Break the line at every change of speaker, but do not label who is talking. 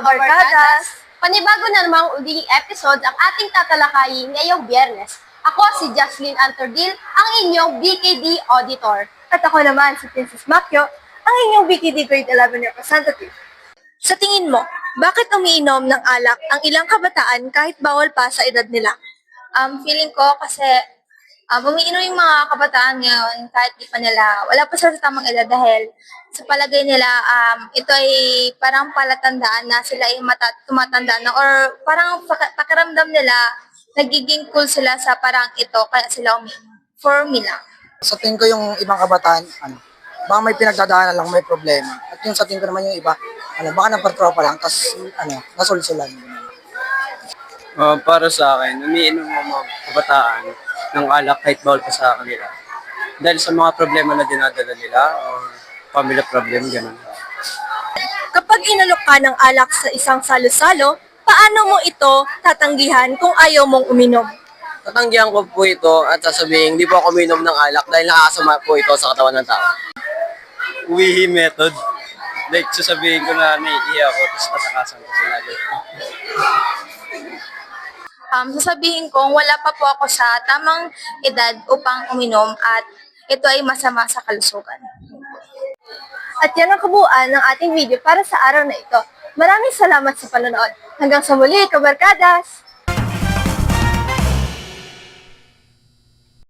kabarkadas! Panibago na namang uling episode ang ating tatalakayin ngayong Biyernes. Ako si Jocelyn Antordil, ang inyong BKD Auditor.
At ako naman si Princess Macchio, ang inyong BKD Grade 11 Representative.
Sa tingin mo, bakit umiinom ng alak ang ilang kabataan kahit bawal pa sa edad nila?
Feeling ko kasi umiinom yung mga kabataan ngayon kahit di pa nila, wala pa sila sa tamang edad dahil sa palagay nila, ito ay parang palatandaan na sila ay tumatanda na or parang pakiramdam nila, nagiging cool sila sa parang ito, kaya sila umiinom. For me lang.
Sa tingin ko yung ibang kabataan, baka may pinagdadaanan lang, may problema. At yung sa tingin ko naman yung iba, baka napatropa lang, tapos nasulsulan.
Para sa akin, umiinom ang mga kabataan ng alak kahit bawal pa sa kanila. Dahil sa mga problema na dinadala nila, o family problem, gano'n.
Kapag inalok ka ng alak sa isang salo-salo, paano mo ito tatanggihan kung ayaw mong uminom?
Tatanggihan ko po ito at sasabihin, hindi po ako uminom ng alak dahil nakakasama po ito sa katawan ng tao. Uwihi method. Like, sasabihin ko na naiihi ako, tapos tatakasan ko sila.
Sasabihin kong wala pa po ako sa tamang edad upang uminom at ito ay masama sa kalusugan.
At yan ang kabuuan ng ating video para sa araw na ito. Maraming salamat sa panonood. Hanggang sa muli, kabarkadas!